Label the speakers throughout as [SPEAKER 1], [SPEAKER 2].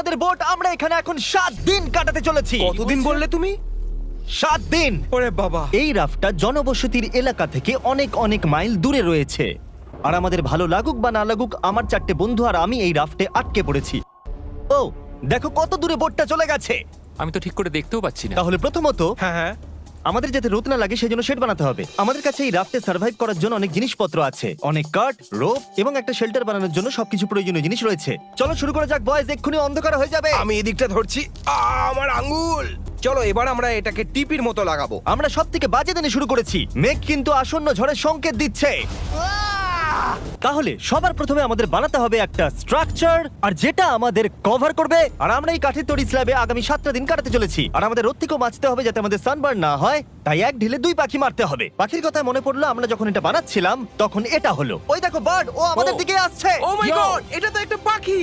[SPEAKER 1] আমাদের বোট আমরা এখানে এখন 7 দিন কাটাতে চলেছি।
[SPEAKER 2] কতদিন বললে তুমি?
[SPEAKER 1] 7 দিন।
[SPEAKER 2] ওরে বাবা।
[SPEAKER 1] এই রাফটা জনবসতির এলাকা থেকে অনেক অনেক মাইল দূরে রয়েছে। আর আমাদের ভালো লাগুক বা না লাগুক, আমার 4টে বন্ধু আর আমি এই রাফটে আটকে পড়েছি। ও দেখো কত দূরে বোটটা চলে গেছে।
[SPEAKER 3] আমি তো ঠিক করে দেখতেও পাচ্ছি না।
[SPEAKER 1] তাহলে প্রথমত
[SPEAKER 2] হ্যাঁ হ্যাঁ।
[SPEAKER 1] আমাদের যাতে রোদ না লাগে সেই জন্য শেড বানাতে হবে। আমাদের কাছে এই রাফটে সার্ভাইভ করার জন্য অনেক জিনিসপত্র আছে, অনেক কাঠ, রোপ এবং একটা শেল্টার বানানোর জন্য সবকিছু প্রয়োজনীয় জিনিস রয়েছে। চলো শুরু করা যাক বয়েজ, এক্ষুনি অন্ধকার হয়ে যাবে।
[SPEAKER 2] আমি এদিকটা ধরছি। আমার আঙ্গুল। চলো এবার আমরা এটাকে টিপির মতো লাগাবো।
[SPEAKER 1] আমরা সব থেকে বাজে দিনে শুরু করেছি, মেঘ কিন্তু আসন্ন ঝড়ের সংকেত দিচ্ছে। তাহলে সবার প্রথমে আমাদের বানাতে হবে একটা স্ট্রাকচার, আর যেটা আমাদের কভার করবে। আর আমরা এই কাঠের তৈরি স্ল্যাবে আগামী 7টা দিন কাটাতে চলেছি। আর আমাদের রোদ থেকেও বাঁচতে হবে যাতে আমাদের সানবার্ন না হয়, তাই এক ঢিলে 2 পাখি মারতে হবে। পাখির কথা মনে পড়লো, আমরা যখন এটা বানাচ্ছিলাম তখন এটা হলো, ওই দেখো বার্ড, ও আমাদের দিকে আসছে।
[SPEAKER 2] ও মাই গড, এটা তো একটা পাখি।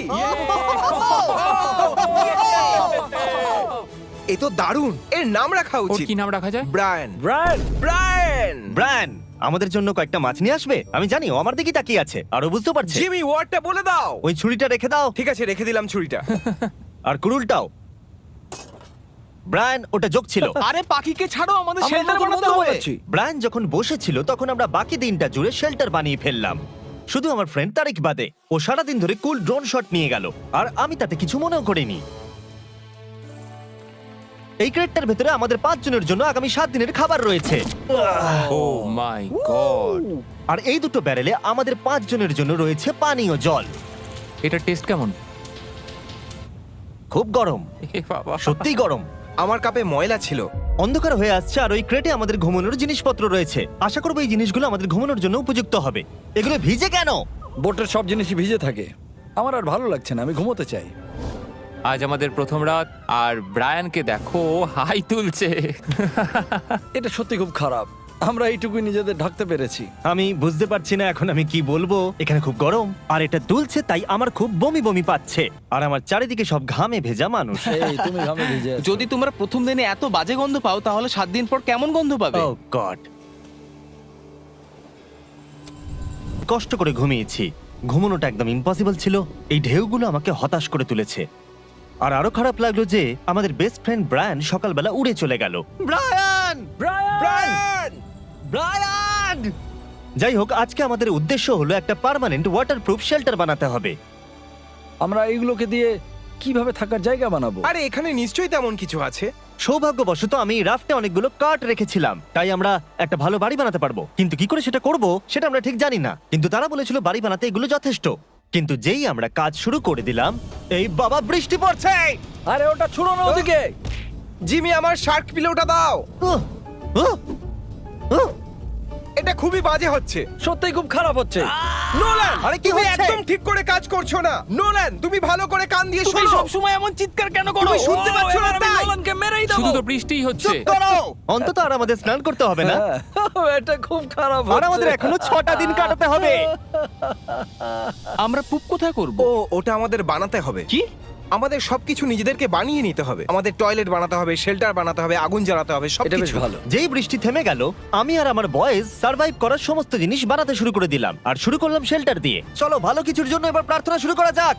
[SPEAKER 2] এ তো দারুণ। এর নাম রাখা
[SPEAKER 3] ওর
[SPEAKER 2] উচিত।
[SPEAKER 3] কি নাম রাখা যায়?
[SPEAKER 2] ব্রায়ান।
[SPEAKER 4] Brian,
[SPEAKER 2] Brian.
[SPEAKER 1] ব্রায়ান আমাদের জন্য কয়েকটা মাছ নিয়ে আসবে। আমি জানি ও আমার দিকে তাকিয়ে আছে, আর ও বুঝতে পারছে।
[SPEAKER 2] জিমি ওয়ার্ডটা বলে দাও।
[SPEAKER 1] ওই ছুরিটা রেখে দাও,
[SPEAKER 2] ঠিক আছে, রেখে দিলাম ছুরিটা।
[SPEAKER 1] আর কুড়ুলটাও। ব্রায়ান ওটা যোগ ছিল।
[SPEAKER 5] আরে পাখিকে ছাড়ো, আমাদের
[SPEAKER 4] আমরা
[SPEAKER 5] শেল্টার
[SPEAKER 4] নতুন
[SPEAKER 5] বানাতে
[SPEAKER 4] বন্ধু
[SPEAKER 5] হবে।
[SPEAKER 4] বানাচ্ছি।
[SPEAKER 1] ব্রায়ান যখন বসেছিল তখন আমরা বাকি দিনটা জুড়ে শেল্টার বানিয়ে ফেললাম। শুধু আমার ফ্রেন্ড তারিক বাদে, ও সারাদিন ধরে কুল ড্রোন শট নিয়ে গেল, আর আমি তাতে কিছু মনেও করিনি। এই ক্রেটটার ভেতরে আমাদের 5 জনের জন্য আগামী 7 দিনের খাবার রয়েছে।
[SPEAKER 3] ও মাই গড,
[SPEAKER 1] আর এই দুটো ব্যারেলে আমাদের 5 জনের জন্য রয়েছে পানীয় জল।
[SPEAKER 3] এটা টেস্ট কেমন?
[SPEAKER 1] খুব গরম,
[SPEAKER 3] এ বাবা,
[SPEAKER 1] সত্যিই গরম।
[SPEAKER 2] আমার কাপে ময়লা ছিল।
[SPEAKER 1] অন্ধকার হয়ে আসছে, আর ওই ক্রেটে আমাদের ঘুমানোর জিনিসপত্র রয়েছে। আশা করবো এই জিনিসগুলো আমাদের ঘুমানোর জন্য উপযুক্ত হবে। এগুলো ভিজে কেন?
[SPEAKER 4] বোটের সব জিনিসই ভিজে থাকে। আমার আর ভালো লাগছে না, আমি ঘুমোতে চাই।
[SPEAKER 3] আজ আমাদের প্রথম রাত, আর ব্রায়ানকে দেখো, ও হাই তুলছে।
[SPEAKER 4] এটা সত্যি খুব খারাপ। আমরা এইটুকুই নিজেদের ঢাকতে পেরেছি।
[SPEAKER 1] আমি বুঝতে পারছি না এখন আমি কি বলবো। এখানে খুব গরম, আর এটা দুলছে, তাই আমার খুব বমি বমি পাচ্ছে। আর আমার চারিদিকে সব ঘামে ভেজা মানুষ।
[SPEAKER 4] এই তুমি ঘামে ভিজে আছো।
[SPEAKER 5] যদি তোমরা প্রথম দিনে এত বাজে গন্ধ পাও, তাহলে 7 দিন পর কেমন গন্ধ পাবে?
[SPEAKER 1] Oh God! কষ্ট করে ঘুমিয়েছি, ঘুমানোটা একদম ইম্পসিবল ছিল। এই ঢেউগুলো আমাকে হতাশ করে তুলেছে। আর আরো খারাপ লাগলো যে আমাদের বেস্ট ফ্রেন্ড ব্রায়ান সকালবেলা উড়ে চলে গেল। ব্রায়ান!
[SPEAKER 2] ব্রায়ান!
[SPEAKER 1] ব্রায়ান! যাই হোক, আজকে আমাদের উদ্দেশ্য হলো একটা পার্মানেন্ট ওয়াটারপ্রুফ শেল্টার বানাতে হবে।
[SPEAKER 4] আমরা এইগুলোকে দিয়ে কিভাবে থাকার জায়গা বানাবো?
[SPEAKER 2] আরে এখানে নিশ্চয়ই তেমন কিছু আছে।
[SPEAKER 1] সৌভাগ্যবশত আমি এই রাফটে অনেকগুলো কাঠ রেখেছিলাম, তাই আমরা একটা ভালো বাড়ি বানাতে পারবো। কিন্তু কি করে সেটা করব সেটা আমরা ঠিক জানি না। কিন্তু তারা বলেছিল বাড়ি বানাতে এগুলো যথেষ্ট। কিন্তু যেই আমরা কাজ শুরু করে দিলাম, এই বাবা বৃষ্টি পড়ছে।
[SPEAKER 4] আরে ওটা ছুড়ো না ওদিকে।
[SPEAKER 2] জিমি, আমার শার্ক পিলোটা দাও।
[SPEAKER 1] উহ, উহ, উহ।
[SPEAKER 2] এটা খুবই বাজে হচ্ছে।
[SPEAKER 4] সত্যিই খুব খারাপ হচ্ছে।
[SPEAKER 2] নোলান,
[SPEAKER 1] আরে কি
[SPEAKER 2] তুমি
[SPEAKER 1] হচ্ছে?
[SPEAKER 2] একদম ঠিক করে কাজ করছো না। নোলান, তুমি ভালো করে কান দিয়ে
[SPEAKER 5] তুমি
[SPEAKER 2] শোনো।
[SPEAKER 5] সব সময় এমন চিৎকার কেন করো?
[SPEAKER 2] তুমি শুনতে
[SPEAKER 4] ও,
[SPEAKER 2] পাচ্ছ না
[SPEAKER 4] এবার আমি
[SPEAKER 2] তাই?
[SPEAKER 4] নোলানকে মেরেই দেবো।
[SPEAKER 3] শুধু তো বৃষ্টিই হচ্ছে।
[SPEAKER 1] চুপ করো। অন্তত আর আমাদের স্নান করতে হবে না,
[SPEAKER 4] হ্যাঁ, এটা খুব খারাপ
[SPEAKER 1] আর
[SPEAKER 4] হচ্ছে।
[SPEAKER 1] আমাদের এখনো 6টা দিন কাটাতে হবে।
[SPEAKER 5] আমরা পুপ কোথায় করব?
[SPEAKER 2] ও, ওটা আমাদের বানাতে হবে।
[SPEAKER 5] কি?
[SPEAKER 2] আমাদের সবকিছু নিজেদেরকে বানিয়ে নিতে হবে। আমাদের টয়লেট বানাতে হবে, শেল্টার বানাতে হবে, আগুন জ্বালাতে হবে,
[SPEAKER 4] এটা বেশ
[SPEAKER 2] সবকিছু।
[SPEAKER 4] ভালো।
[SPEAKER 1] যেই বৃষ্টি থেমে গেল, আমি আর আমার বয়েজ সার্ভাইভ করার সমস্ত জিনিস বানাতে শুরু করে দিলাম, আর শুরু করলাম শেল্টার দিয়ে। চলো ভালো কিছুর জন্য এবার প্রার্থনা শুরু করা যাক।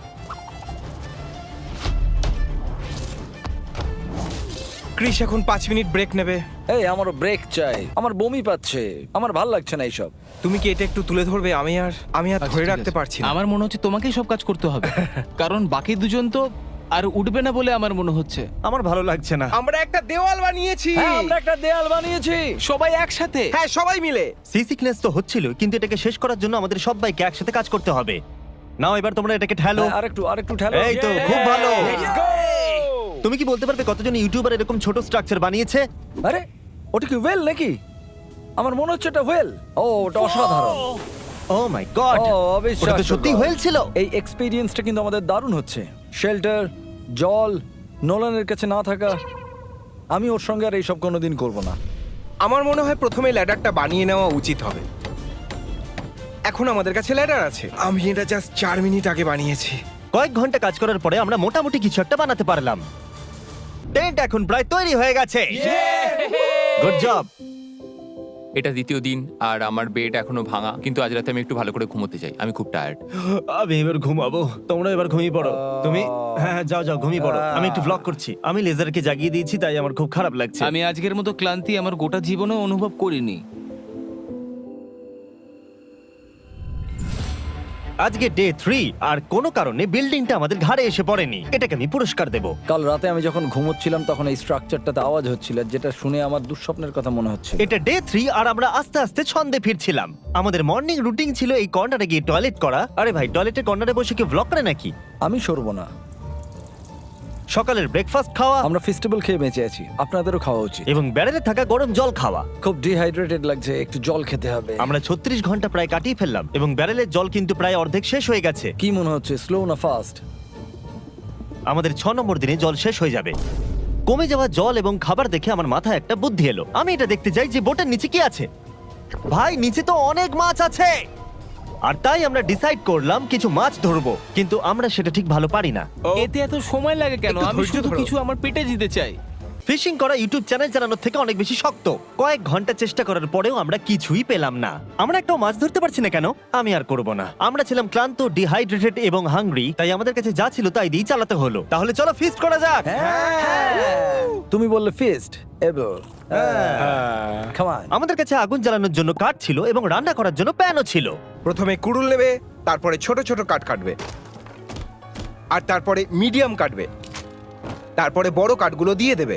[SPEAKER 2] ক্রিস এখন 5 মিনিট ব্রেক নেবে।
[SPEAKER 4] এই আমারও ব্রেক চাই, আমার বমি পাচ্ছে, আমার ভাল লাগছে না এইসব।
[SPEAKER 2] তুমি কি এটা একটু তুলে ধরবে? আমি আর
[SPEAKER 5] আচ্ছা,
[SPEAKER 2] ধরে
[SPEAKER 5] ঠিক
[SPEAKER 2] রাখতে
[SPEAKER 5] আছে।
[SPEAKER 2] পারছি না।
[SPEAKER 5] আমার মনে হচ্ছে তোমাকেই সব কাজ করতে হবে, কারণ বাকি দুজন তো আর উঠবে না বলে আমার মনে হচ্ছে।
[SPEAKER 1] আমার ভালো লাগছে না।
[SPEAKER 2] আমরা একটা দেওয়াল বানিয়েছি।
[SPEAKER 4] হ্যাঁ, আমরা একটা দেয়াল বানিয়েছি।
[SPEAKER 5] সবাই একসাথে।
[SPEAKER 2] হ্যাঁ, সবাই মিলে।
[SPEAKER 1] সি সিকনেস তো হচ্ছিল, কিন্তু এটাকে শেষ করার জন্য আমাদের সবাইকে একসাথে কাজ করতে হবে। নাও এবার তোমরা এটাকে ঠেলো।
[SPEAKER 4] হ্যাঁ, আরেকটু ঠেলো।
[SPEAKER 1] এই তো, খুব ভালো।
[SPEAKER 4] Let's go!
[SPEAKER 1] তুমি কি বলতে পারবে কতজন ইউটিউবার এরকম ছোট স্ট্রাকচার বানিয়েছে?
[SPEAKER 4] আরে ওটা কি ওয়েল নাকি? আমার মনে হচ্ছে এটা ওয়েল। ও, ওটা অসাধারণ।
[SPEAKER 1] ও মাই গড,
[SPEAKER 4] ও,
[SPEAKER 1] ওটা
[SPEAKER 4] অবিশ্বাস্য
[SPEAKER 1] তো সত্যি
[SPEAKER 4] God।
[SPEAKER 1] হয়েল ছিল।
[SPEAKER 4] এই এক্সপেরিয়েন্সটা কিন্তু আমাদের দারুণ হচ্ছে। শেল্টার, জল, নোলানের কাছে না থাকা। আমি ওর সঙ্গে আর এইসব কোনোদিন করব না।
[SPEAKER 2] আমার মনে হয় প্রথমে ল্যাডারটা বানিয়ে নেওয়া উচিত হবে। এখন আমাদের কাছে ল্যাডার আছে। আমি এটা জাস্ট 4 মিনিট আগে বানিয়েছি।
[SPEAKER 1] কয়েক ঘন্টা কাজ করার পরে আমরা মোটামুটি কিছু একটা বানাতে পারলাম। টেন্ট এখন প্রায় তৈরি হয়ে গেছে। Good job.
[SPEAKER 3] এটা দ্বিতীয় দিন আর আমার বেড এখনো ভাঙা, কিন্তু আজ রাতে আমি একটু ভালো করে ঘুমোতে চাই, আমি খুব টায়ার্ড।
[SPEAKER 1] আমি এবার ঘুমাবো, তোমরা এবার ঘুমিয়ে পড়ো। তুমি হ্যাঁ যাও যাও ঘুমিয়ে পড়ো, আমি একটু ব্লগ করছি। আমি লেজারকে জাগিয়ে দিয়েছি, তাই আমার খুব খারাপ লাগছে।
[SPEAKER 5] আমি আজকের মতো ক্লান্তি আমার গোটা জীবনেও অনুভব করিনি।
[SPEAKER 1] আজকে ডে 3 আর কোনো কারণে বিল্ডিংটা আমাদের ঘাড়ে এসে পড়েনি। এটাকে আমি পুরস্কার দেব।
[SPEAKER 4] কাল রাতে আমি যখন ঘুমোচ্ছিলাম তখন এই স্ট্রাকচারটাতে আওয়াজ হচ্ছিল, যেটা শুনে আমার দুঃস্বপ্নের কথা মনে হচ্ছে।
[SPEAKER 1] এটা ডে 3 আর আমরা আস্তে আস্তে ছন্দে ফিরছিলাম। আমাদের মর্নিং রুটিন ছিল এই কর্নারে গিয়ে টয়লেট করা। আরে ভাই, টয়লেটের কর্নারে বসে কি ব্লগ করে নাকি?
[SPEAKER 4] আমি সরবো না।
[SPEAKER 1] সকালের ব্রেকফাস্ট খাওয়া
[SPEAKER 4] আমরা ফেস্টিভ্যাল খেয়ে বেঁচে আছি, আপনাদেরও খাওয়া উচিত।
[SPEAKER 1] এবং ব্যারেলে থাকা গরম জল খাওয়া।
[SPEAKER 4] খুব ডিহাইড্রেটেড লাগছে, একটু জল খেতে হবে।
[SPEAKER 1] আমরা 36 ঘন্টা প্রায় কাটিয়ে ফেললাম এবং ব্যারেলের জল কিন্তু প্রায় অর্ধেক শেষ হয়ে গেছে।
[SPEAKER 4] কি মনে হচ্ছে, স্লো না ফাস্ট?
[SPEAKER 1] আমাদের 6 নম্বর দিনে জল শেষ হয়ে যাবে। কমে যাওয়া জল এবং খাবার দেখে আমার মাথায় একটা বুদ্ধি এলো। আমি এটা দেখতে চাই যে বোটের নিচে কি আছে। ভাই, নিচে তো অনেক মাছ আছে। আর তাই আমরা ডিসাইড করলাম কিছু মাছ ধরবো, কিন্তু আমরা সেটা ঠিক ভালো পারি না।
[SPEAKER 5] এতে এত সময় লাগে কেন?
[SPEAKER 2] একটু
[SPEAKER 5] আমি
[SPEAKER 2] ধৈর্য
[SPEAKER 5] শুধু
[SPEAKER 2] ধরো।
[SPEAKER 5] কিছু আমার পেটে দিতে চাই।
[SPEAKER 1] ফিশিং করা ইউটিউব চ্যানেল চালানোর থেকে অনেক বেশি শক্ত। কয়েক ঘন্টা চেষ্টা করার পরেও আমরা কিছুই পেলাম না। আমরা একটাও মাছ ধরতে পারছি না কেন? আমি আর করব না। আমরা ছিলাম ক্লান্ত, ডিহাইড্রেটেড এবং হাংরি, তাই আমাদের কাছে যা ছিল তাই দিয়ে চালাতে হলো। তাহলে চলো ফিস্ট করা যাক।
[SPEAKER 4] তুমি বললে ফিস্ট এবার। Come on.
[SPEAKER 1] আমাদের কাছে আগুন জ্বালানোর জন্য কাঠ ছিল এবং রান্না করার জন্য প্যানও ছিল।
[SPEAKER 2] প্রথমে কুড়ুল নেবে, তারপরে ছোট ছোট কাঠ কাটবে, আর তারপরে মিডিয়াম কাটবে, তারপরে বড় কাঠগুলো দিয়ে দেবে।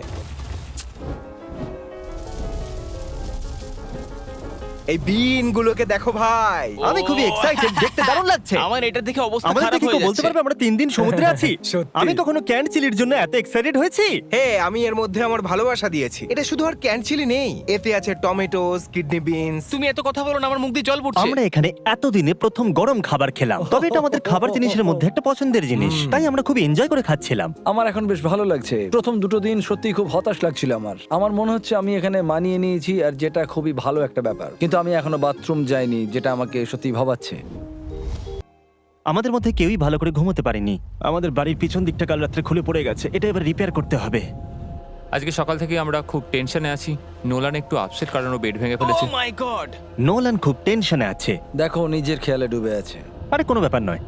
[SPEAKER 2] এই বিনগুলোকে দেখো ভাই।
[SPEAKER 1] আমি খুবই এক্সাইটেড, দেখতে দারুণ লাগছে।
[SPEAKER 5] আমার এটা দেখে অবস্থা
[SPEAKER 1] আমাদের
[SPEAKER 5] খারাপ
[SPEAKER 1] দেখে কেউ
[SPEAKER 5] হয়ে
[SPEAKER 1] বলতে
[SPEAKER 5] যাচ্ছে।
[SPEAKER 1] পারবে আমরা 3 দিন সমুদ্রে আছি?
[SPEAKER 2] সত্যি।
[SPEAKER 1] আমি কখনো ক্যান চিলির জন্য এত এক্সাইটেড হয়েছি?
[SPEAKER 2] হে, আমি এর মধ্যে আমার ভালোবাসা দিয়েছি। এটা শুধু আর ক্যানচিলি নেই, এতে আছে টমেটোস, কিডনি বিনস।
[SPEAKER 5] তুমি এত কথা বলো না, আমার মুখ দিয়ে জল পড়ছে।
[SPEAKER 1] আমরা এখানে এতদিনে প্রথম গরম খাবার খেলাম, তবে এটা আমাদের খাবার জিনিসের মধ্যে একটা পছন্দের জিনিস, তাই আমরা খুব এনজয় করে খাচ্ছিলাম।
[SPEAKER 4] আমার এখন বেশ ভালো লাগছে। প্রথম দুটো দিন সত্যি খুব হতাশ লাগছিল আমার মনে হচ্ছে আমি এখানে মানিয়ে নিয়েছি, আর যেটা খুবই ভালো একটা ব্যাপার। কিন্তু আমি এখনো বাথরুম যাইনি, যেটা আমাকে সত্যি ভাবাচ্ছে।
[SPEAKER 1] আমাদের মধ্যে কেউই ভালো করে ঘুমোতে পারেনি। আমাদের বাড়ির পিছন দিকটা কাল রাত্রে খুলে পড়ে গেছে, এটা এবার রিপেয়ার করতে হবে।
[SPEAKER 3] আজকে সকাল থেকে আমরা খুব টেনশনে আছি। নোলান একটু আপসেট কারণ ও বেড ভেঙে ফেলেছে।
[SPEAKER 5] ও মাই গড!
[SPEAKER 1] নোলান খুব টেনশনে আছে।
[SPEAKER 4] দেখো, নিজের খেয়ালে ডুবে আছে।
[SPEAKER 1] আরে কোনো ব্যাপার নয়।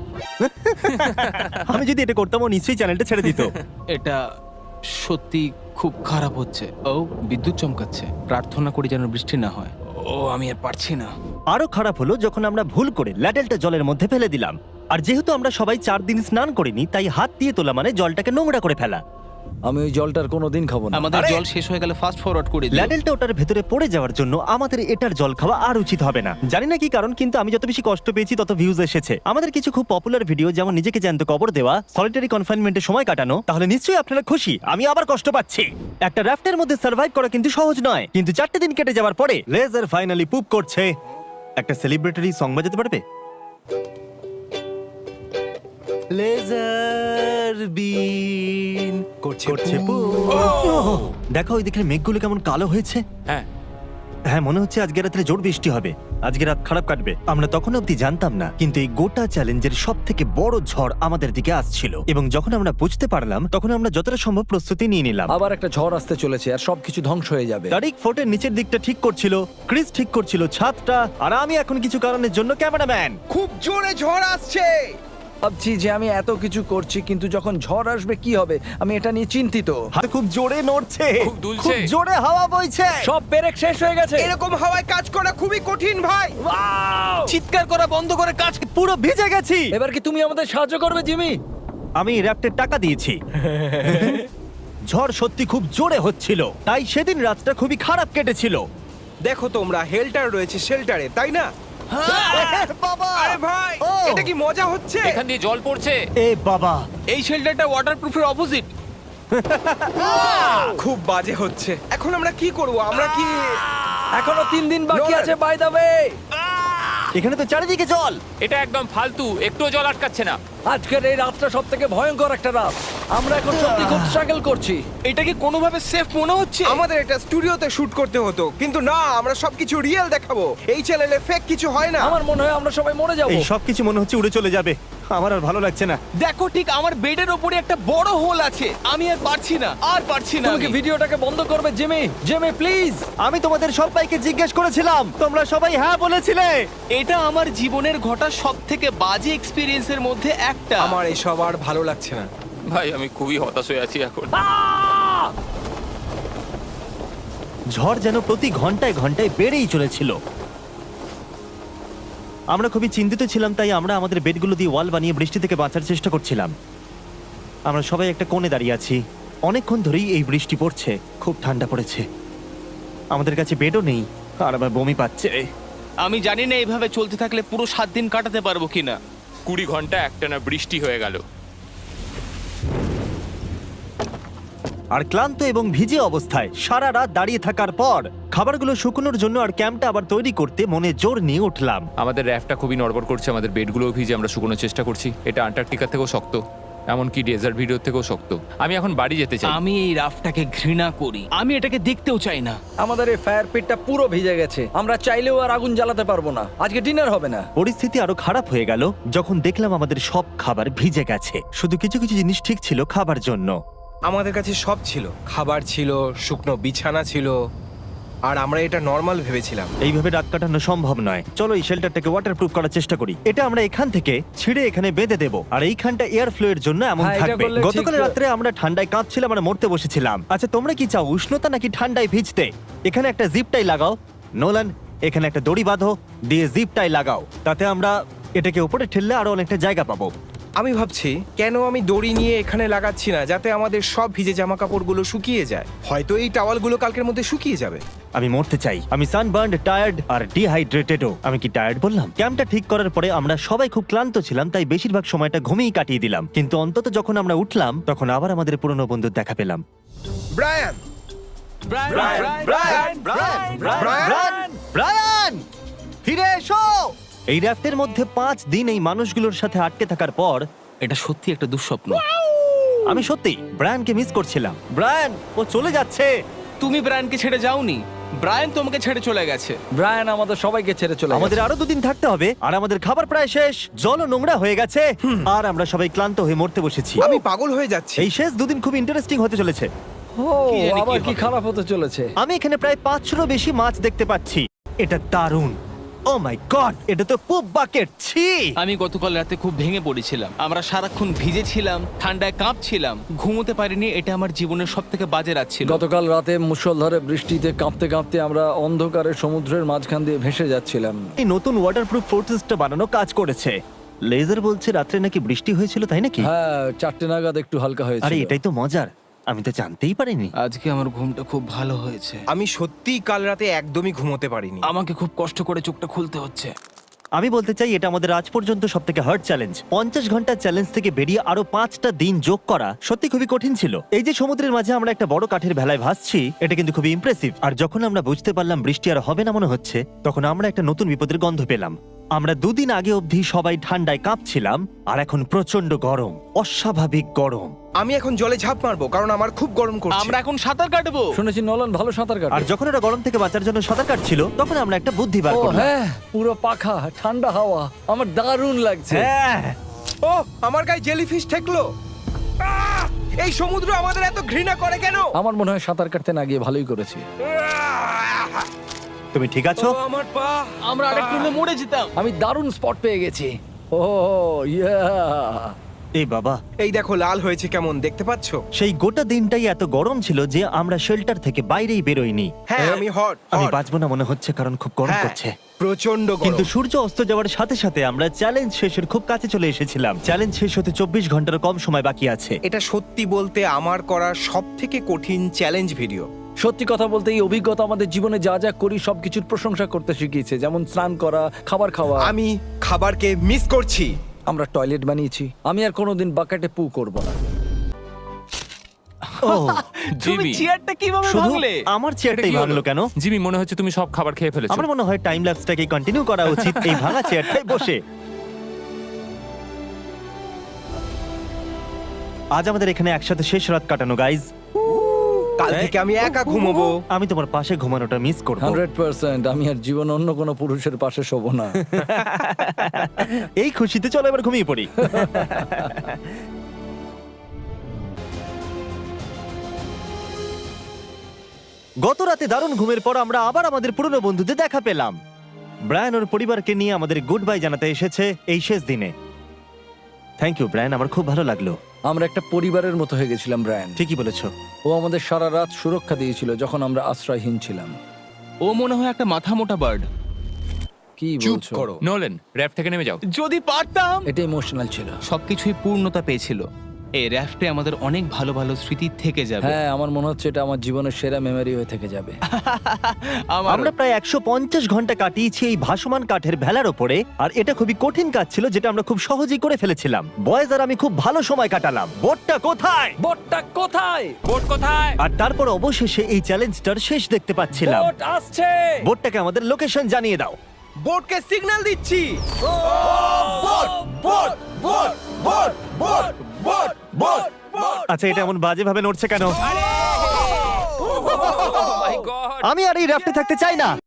[SPEAKER 1] আমি যদি এটা করতাম ও নিশ্চয়ই চ্যানেলটা ছেড়ে দিত।
[SPEAKER 5] এটা সত্যি খুব খারাপ হচ্ছে। ও বিদ্যুৎ চমকাচ্ছে। প্রার্থনা করি যেন বৃষ্টি না হয়। ও আমি আর পারছি না।
[SPEAKER 1] আরো খারাপ হলো যখন আমরা ভুল করে ল্যাডেলটা জলের মধ্যে ফেলে দিলাম। আর যেহেতু আমরা সবাই 4 দিন স্নান করিনি, তাই হাত দিয়ে তোলা মানে জলটাকে নোংরা করে ফেলা।
[SPEAKER 4] আমি ওই জলটার কোনোদিন খাবো না।
[SPEAKER 5] আমাদের
[SPEAKER 1] আরে!
[SPEAKER 5] জল শেষ হয়ে গেলে ফাস্ট ফরওয়ার্ড করে দিও।
[SPEAKER 1] ল্যাডেলটা ওটার ভেতরে পড়ে যাওয়ার জন্য আমাদের এটার জল খাওয়া আর উচিত হবে না। জানি না কি কারণ, কিন্তু আমি যত বেশি কষ্ট পেয়েছি তত ভিউজ এসেছে। আমাদের কিছু খুব পপুলার ভিডিও, যেমন নিজেকে জ্যান্ত কবর দেওয়া, সলিটারি কনফাইনমেন্টে সময় কাটানো, তাহলে নিশ্চয়ই আপনারা খুশি। আমি আবার কষ্ট পাচ্ছি। একটা রাফটের মধ্যে সার্ভাইভ করা কিন্তু সহজ নয়, কিন্তু 4টে দিন কেটে যাওয়ার পরে লেজার ফাইনালি পুপ করছে। একটা সেলিব্রেটরি সং বাজাতে পারবে? লেজার বিন করছে দেখো ওই দিকের মেঘগুলো কেমন কালো হয়েছে।
[SPEAKER 3] হ্যাঁ,
[SPEAKER 1] হ্যাঁ, মনে হচ্ছে আজকে রাত্রে জোর বৃষ্টি হবে। আজকে রাত খারাপ কাটবে। আমরা তখন অব্দি জানতাম না, কিন্তু এই গোটা চ্যালেঞ্জের সব থেকে বড় ঝড় আমাদের দিকে আসছিল। এবং যখন আমরা বুঝতে পারলাম, তখন আমরা যতটা সম্ভব প্রস্তুতি নিয়ে নিলাম।
[SPEAKER 4] আবার একটা ঝড় আসতে চলেছে, আর সবকিছু ধ্বংস হয়ে যাবে।
[SPEAKER 1] তারিক ফোর্টের নিচের দিকটা ঠিক করছিল, ক্রিস ঠিক করছিল ছাদটা, আর আমি এখন কিছু কারণের জন্য ক্যামেরাম্যান।
[SPEAKER 2] খুব জোরে ঝড় আসছে।
[SPEAKER 4] ভাবছি যে আমি এত কিছু করছি, কিন্তু যখন ঝড় আসবে কি হবে আমি এটা নিয়ে চিন্তিত।
[SPEAKER 1] হাতে খুব জোরে নড়ছে,
[SPEAKER 3] খুব দুলছে।
[SPEAKER 1] খুব জোরে হাওয়া বইছে।
[SPEAKER 4] সব পেরেক শেষ হয়ে গেছে।
[SPEAKER 2] এরকম হাওয়ায় কাজ করা খুবই কঠিন ভাই।
[SPEAKER 5] চিৎকার করা বন্ধ করে কাজ।
[SPEAKER 1] পুরো ভিজে গেছি।
[SPEAKER 4] এবার কি তুমি আমাদের সাহায্য করবে, জিমি?
[SPEAKER 1] আমি র্যাপ্টের টাকা দিয়েছি। ঝড় সত্যি খুব জোরে হচ্ছিল, তাই সেদিন রাতটা খুবই খারাপ কেটেছিল।
[SPEAKER 2] দেখো তোমরা, হেল্টার রয়েছে শেল্টারে, তাই না?
[SPEAKER 1] বাবা!
[SPEAKER 2] আরে ভাই,
[SPEAKER 1] ও!
[SPEAKER 2] এটা কি মজা হচ্ছে?
[SPEAKER 3] এখান দিয়ে জল পড়ছে।
[SPEAKER 1] এ বাবা!
[SPEAKER 5] এই শেল্টারটা ওয়াটারপ্রুফের অপোজিট।
[SPEAKER 2] খুব বাজে হচ্ছে। এখন আমরা কি করব? আমরা কি
[SPEAKER 4] এখনো 3 দিন বাকি
[SPEAKER 2] নোলান।
[SPEAKER 4] আছে, বাই দ্য ওয়ে।
[SPEAKER 1] এখানে তো চারিদিকে জল।
[SPEAKER 3] এটা একদম ফালতু, একটুও জল আটকাচ্ছে না।
[SPEAKER 4] আজকের এই রাতটা সব থেকে ভয়ঙ্কর একটা রাত। আমরা এখন সত্যি খুব স্ট্রাগল করছি।
[SPEAKER 5] এটা কি কোনোভাবে সেফ মনে হচ্ছে?
[SPEAKER 2] আমাদের এটা স্টুডিওতে শুট করতে হতো, কিন্তু না, আমরা সবকিছু রিয়েল দেখাবো। এই চ্যানেলে ফেক কিছু হয় না।
[SPEAKER 4] আমার মনে হয় আমরা সবাই মরে যাবো।
[SPEAKER 1] এই সবকিছু মনে হচ্ছে উড়ে চলে যাবে। আমার আর ভালো লাগছে না।
[SPEAKER 5] দেখো, ঠিক আমার বেডের ওপরে একটা বড় হোল আছে। আমি আর পারছি না, আর পারছি না।
[SPEAKER 4] তুমি কি
[SPEAKER 5] আমি।
[SPEAKER 4] ভিডিওটাকে বন্ধ করবে জিমি? Jimmy please.
[SPEAKER 1] আমি তোমাদের সবাইকে জিজ্ঞেস করেছিলাম, তোমরা সবাই হ্যাঁ বলেছিলে।
[SPEAKER 5] এটা আমার জীবনের ঘটা সব থেকে বাজে এক্সপিরিয়েন্সের মধ্যে একটা।
[SPEAKER 2] আমার এসব আর ভালো লাগছে না।
[SPEAKER 3] ভাই আমি খুবই হতাশ হয়ে আছি এখন।
[SPEAKER 1] ঝড় যেন প্রতি ঘন্টায় ঘন্টায় বেড়েই চলেছিল। আমরা খুবই চিন্তিত ছিলাম, তাই আমরা আমাদের বেডগুলো দিয়ে ওয়াল বানিয়ে বৃষ্টি থেকে বাঁচার চেষ্টা করছিলাম। আমরা সবাই একটা কোণে দাঁড়িয়ে আছি। অনেকক্ষণ ধরেই এই বৃষ্টি পড়ছে, খুব ঠান্ডা পড়েছে। আমাদের কাছে বেডও নেই আর আমার বমি পাচ্ছে।
[SPEAKER 5] আমি জানি না এইভাবে চলতে থাকলে পুরো 7 দিন কাটাতে পারবো কিনা।
[SPEAKER 3] 20 ঘন্টা একটানা বৃষ্টি হয়ে গেল।
[SPEAKER 1] আর ক্লান্ত এবং ভিজে অবস্থায় সারা রাত দাঁড়িয়ে থাকার পর খাবারগুলো শুকনোর জন্য আর ক্যাম্পটা আবার তৈরি করতে মনে জোর নিয়ে উঠলাম।
[SPEAKER 3] আমাদের র্যাফটা খুবই নড়বড় করছে, আমাদের বেডগুলোও ভিজে, আমরা শুকোনোর চেষ্টা করছি। এটা আন্টার্কটিকা থেকেও শক্ত, এমনকি ডেজার্ট ভিডিও থেকেও শক্ত। আমি এখন বাড়ি যেতে চাই।
[SPEAKER 5] আমি এই রাফটাকে ঘৃণা করি, আমি এটাকে দেখতেও চাই না।
[SPEAKER 4] আমাদের এই ফায়ার পিটটা পুরো ভিজে গেছে। আমরা চাইলেও আর আগুন জ্বালাতে পারবো না। আজকে ডিনার হবে না।
[SPEAKER 1] পরিস্থিতি আরো খারাপ হয়ে গেল যখন দেখলাম আমাদের সব খাবার ভিজে গেছে। শুধু কিছু কিছু জিনিস ঠিক ছিল খাবার জন্য।
[SPEAKER 2] আমাদের কাছে সব ছিল, খাবার ছিল, শুকনো বিছানা ছিল, আর আমরা এটা নর্মাল ভেবেছিলাম।
[SPEAKER 1] এইভাবে রাত কাটানো সম্ভব নয়। চলো এই শেল্টারটাকে ওয়াটারপ্রুফ করার চেষ্টা করি। এটা আমরা এখান থেকে ছিঁড়ে এখানে বেঁধে দেবো, আর এইখানটা এয়ার ফ্লো এর জন্য এমন
[SPEAKER 4] হ্যাঁ, এটা
[SPEAKER 1] থাকবে।
[SPEAKER 4] করলে
[SPEAKER 1] গতকাল
[SPEAKER 4] ঠিক।
[SPEAKER 1] রাত্রে আমরা ঠান্ডায় কাঁপছিলাম আর মরতে বসেছিলাম। আচ্ছা তোমরা কি চাও, উষ্ণতা নাকি ঠান্ডায় ভিজতে? এখানে একটা জিপ টাই লাগাও। নোলান, এখানে একটা দড়ি বাঁধো, দিয়ে জিপ টাই লাগাও। তাতে আমরা এটাকে উপরে ঠেললে আরো অনেকটা জায়গা পাবো।
[SPEAKER 2] আমি ভাবছি কেন আমি দড়ি নিয়ে এখানে লাগাচ্ছি না, যাতে আমাদের সব ভিজে জামা কাপড়গুলো শুকিয়ে যায়। হয়তো এই টাওয়ালগুলো কালকের মধ্যে শুকিয়ে যাবে।
[SPEAKER 1] আমি মরতে চাই। আমি সানবার্নড, টায়ার্ড আর ডিহাইড্রেটেডও। আমি কি টায়ার্ড বললাম? ক্যাম্পটা ঠিক করার পরে আমরা সবাই খুব ক্লান্ত ছিলাম, তাই বেশিরভাগ সময়টা ঘুমিয়েই কাটিয়ে দিলাম। কিন্তু অন্তত যখন আমরা উঠলাম তখন আবার আমাদের পুরনো বন্ধুর দেখা পেলাম।
[SPEAKER 2] ব্রায়ান,
[SPEAKER 1] ব্রায়ান, ফিরে এসো। এই র্যাফটের মধ্যে 5 দিন এই মানুষগুলোর সাথে আটকে থাকার পর
[SPEAKER 5] এটা সত্যি একটা দুঃস্বপ্ন।
[SPEAKER 1] আমি সত্যি ব্রায়ানকে মিস করছিলাম। ব্রায়ান, ও চলে যাচ্ছে।
[SPEAKER 5] তুমি ব্রায়ানকে ছেড়ে যাওনি, ব্রায়ান তোমাকে ছেড়ে চলে গেছে।
[SPEAKER 4] ব্রায়ান আমাদের সবাইকে ছেড়ে চলে
[SPEAKER 1] আমাদের
[SPEAKER 4] গেছে।
[SPEAKER 1] আরো 2 দিন থাকতে হবে, আর আমাদের খাবার প্রায় শেষ। জলও নোংরা হয়ে গেছে, আর আমরা সবাই ক্লান্ত হয়ে মরতে বসেছি।
[SPEAKER 2] আমি পাগল হয়ে যাচ্ছি।
[SPEAKER 1] এই শেষ 2 দিন খুব ইন্টারেস্টিং হতে চলেছে।
[SPEAKER 4] ও
[SPEAKER 5] কি জানি কি
[SPEAKER 4] আবার কি
[SPEAKER 5] হবে।
[SPEAKER 4] খারাপ হতে চলেছে।
[SPEAKER 1] আমি এখানে প্রায় 500 বেশি মাছ দেখতে পাচ্ছি। এটা দারুণ। ও মাই গড, এটা তো পুপ বাকেট। ছি।
[SPEAKER 5] আমি গতকাল রাতে খুব ভেঙে পড়েছিলাম। আমরা সারাক্ষণ ভিজেছিলাম, ঠান্ডায় কাঁপছিলাম, ঘুমোতে পারিনি। এটা আমার জীবনের সব থেকে বাজে রাত ছিল।
[SPEAKER 4] গতকাল রাতে মুষলধারে বৃষ্টিতে কাঁপতে কাঁপতে আমরা অন্ধকারে সমুদ্রের মাঝখান দিয়ে ভেসে যাচ্ছিলাম।
[SPEAKER 1] এই নতুন ওয়াটারপ্রুফ ফোর্ট্রেসটা বানানো কাজ করেছে। লেজার বলছে রাত্রে নাকি বৃষ্টি হয়েছিল, তাই নাকি?
[SPEAKER 4] হ্যাঁ, 4টে নাগাদ একটু হালকা হয়েছিল।
[SPEAKER 1] আরে এটাই তো মজার, আমি তো জানতেই পারিনি।
[SPEAKER 5] আজকে আমার ঘুমটা খুব ভালো হয়েছে।
[SPEAKER 2] আমি সত্যিই কাল রাতে একদমই ঘুমোতে পারিনি।
[SPEAKER 5] আমাকে খুব কষ্ট করে চোখটা খুলতে হচ্ছে।
[SPEAKER 1] আমি বলতে চাই এটা আমাদের আজ পর্যন্ত সব থেকে হার্ড চ্যালেঞ্জ। 50 ঘন্টার চ্যালেঞ্জ থেকে বেরিয়ে আরো 5টা দিন যোগ করা সত্যি খুবই কঠিন ছিল। এই যে সমুদ্রের মাঝে আমরা একটা বড় কাঠের ভেলায় ভাসছি, এটা কিন্তু খুবই ইমপ্রেসিভ। আর যখন আমরা বুঝতে পারলাম বৃষ্টি আর হবে না মনে হচ্ছে, তখন আমরা একটা নতুন বিপদের গন্ধ পেলাম। আমরা 2 দিন আগে অবধি সবাই ঠান্ডায় কাঁপছিলাম, আর এখন প্রচন্ড গরম, অস্বাভাবিক গরম।
[SPEAKER 2] আমি এখন জলে ঝাঁপ মারবো, কারণ আমার খুব গরম করছে।
[SPEAKER 5] আমরা এখন সাঁতার কাটবো।
[SPEAKER 4] শুনেছি নলন ভালো সাঁতার কাটে।
[SPEAKER 1] আর যখন ওরা গরম থেকে বাঁচার জন্য সাঁতার কাটছিল, তখন আমরা একটা বুদ্ধি বার
[SPEAKER 4] ও
[SPEAKER 1] করলাম।
[SPEAKER 4] হ্যাঁ, পুরো পাখা, ঠান্ডা হাওয়া, আমার দারুণ লাগছে।
[SPEAKER 1] হ্যাঁ,
[SPEAKER 2] ও, আমার গায়ে জেলিফিশ ঠেকলো। আহ! এই সমুদ্র আমাদের এত ঘৃণা করে কেন?
[SPEAKER 4] আমার মনে হয় সাঁতার কাটতে না গিয়ে ভালোই করেছি।
[SPEAKER 1] তুমি ঠিক আছো?
[SPEAKER 2] ও, আমার পা।
[SPEAKER 5] আমরা আরেকটু হলে মরে যেতাম।
[SPEAKER 4] আমি দারুণ স্পট পেয়ে গেছি। ও ইয়া,
[SPEAKER 1] এই বাবা,
[SPEAKER 2] এই দেখো লাল হয়েছে কেমন, দেখতে পাচ্ছো?
[SPEAKER 1] সেই গোটা দিনটাই এত গরম ছিল যে আমরা শেল্টার থেকে বাইরেই বেরোইনি।
[SPEAKER 2] হ্যাঁ, আমি হট।
[SPEAKER 1] আমি বাঁচবো না মনে হচ্ছে, কারণ খুব গরম করছে।
[SPEAKER 2] প্রচন্ড
[SPEAKER 1] কিন্তু
[SPEAKER 2] গরম।
[SPEAKER 1] সূর্য অস্ত যাওয়ার সাথে সাথে আমরা চ্যালেঞ্জ শেষের খুব কাছে চলে এসেছিলাম। চ্যালেঞ্জ শেষ হতে 24 ঘন্টার কম সময় বাকি আছে।
[SPEAKER 2] এটা সত্যি বলতে আমার করা সব থেকে কঠিন চ্যালেঞ্জ ভিডিও।
[SPEAKER 4] সত্যি কথা বলতে এই অভিজ্ঞতা আমাদের জীবনে যা যা করি সবকিছুর প্রশংসা করতে শিখিয়েছে, যেমন স্নান করা, খাবার খাওয়া।
[SPEAKER 2] আমি খাবারকে মিস করছি।
[SPEAKER 4] আমরা টয়লেট বানিয়েছি। আমি আর কোনোদিন বাকেটে পু করব না।
[SPEAKER 1] ও,
[SPEAKER 5] তুমি
[SPEAKER 3] জিমি,
[SPEAKER 5] চেয়ারটা কিভাবে
[SPEAKER 1] শুধু
[SPEAKER 5] ভাঙলে?
[SPEAKER 1] আমার চেয়ারটাই
[SPEAKER 3] এটা কি
[SPEAKER 1] ভাঙলো
[SPEAKER 3] হলো?
[SPEAKER 1] কেন?
[SPEAKER 3] জিমি, মনে হচ্ছে তুমি সব খাবার খেয়ে ফেলেছো।
[SPEAKER 1] আমার মনে হয় টাইম ল্যাপসটাকে কন্টিনিউ করা উচিত এই ভাঙা চেয়ারটায় বসে। আজ আমাদের এখানে একসাথে শেষ রাত কাটানো গাইজ।
[SPEAKER 2] কাল থেকে আমি একা ঘুমোবো।
[SPEAKER 1] আমি তোমার পাশে ঘুমানোটা মিস করবো।
[SPEAKER 4] 100% আমি আর জীবন অন্য কোনো পুরুষের পাশে শোবো না।
[SPEAKER 1] এই খুশিতে চলো এবার ঘুমিয়ে পড়ি। গত রাতে দারুণ ঘুমের পর আমরা আবার আমাদের পুরনো বন্ধুদের দেখা পেলাম। ব্রায়ান ওর পরিবারকে নিয়ে আমাদের গুড বাই জানাতে এসেছে এই শেষ দিনে। থ্যাংক ইউ ব্রায়ান, আমার খুব ভালো লাগলো।
[SPEAKER 4] আমরা একটা পরিবারের মতো হয়ে গেছিলাম ব্রায়ান।
[SPEAKER 1] ঠিকই বলেছো।
[SPEAKER 4] ও আমাদের সারা রাত সুরক্ষা দিয়েছিল যখন আমরা আশ্রয়হীন ছিলাম।
[SPEAKER 5] ও মনে হয় একটা মাথা মোটা বার্ড।
[SPEAKER 4] কি
[SPEAKER 2] চুপ
[SPEAKER 4] বলছো?
[SPEAKER 2] করো।
[SPEAKER 3] নোলেন, র্যাফ থেকে নেমে যাও।
[SPEAKER 5] যদি পারতাম।
[SPEAKER 4] এটা ইমোশনাল ছিল।
[SPEAKER 5] সবকিছুই পূর্ণতা পেয়েছিল। এই র্যাফটে আমাদের অনেক ভালো ভালো স্মৃতি থেকে যাবে।
[SPEAKER 4] হ্যাঁ, আমার মনে হচ্ছে এটা আমার জীবনের সেরা মেমরি হয়ে থেকে যাবে।
[SPEAKER 5] আমার
[SPEAKER 1] আমরা প্রায় 150 ঘন্টা কাটিয়েছি এই ভাসমান কাঠের ভেলার ওপরে, আর এটা খুবই কঠিন কাজ ছিল যেটা আমরা খুব সহজেই করে ফেলেছিলাম। বয়েজ আর আমি খুব ভালো সময় কাটালাম। বোটটা কোথায়?
[SPEAKER 4] বোটটা কোথায়?
[SPEAKER 3] বোট কোথায়?
[SPEAKER 1] আর তারপর অবশেষে এই চ্যালেঞ্জটার শেষ দেখতে পাচ্ছিলাম।
[SPEAKER 4] বোট আসছে।
[SPEAKER 1] বোটটাকে আমাদের লোকেশন জানিয়ে দাও।
[SPEAKER 2] বোটকে সিগন্যাল দিচ্ছি। Boat boat boat boat boat boat boat boat.
[SPEAKER 1] আচ্ছা, এটা এমন বাজে ভাবে নড়ছে কেন?
[SPEAKER 3] My god!
[SPEAKER 1] আমি আর এই রাফটে থাকতে চাই না।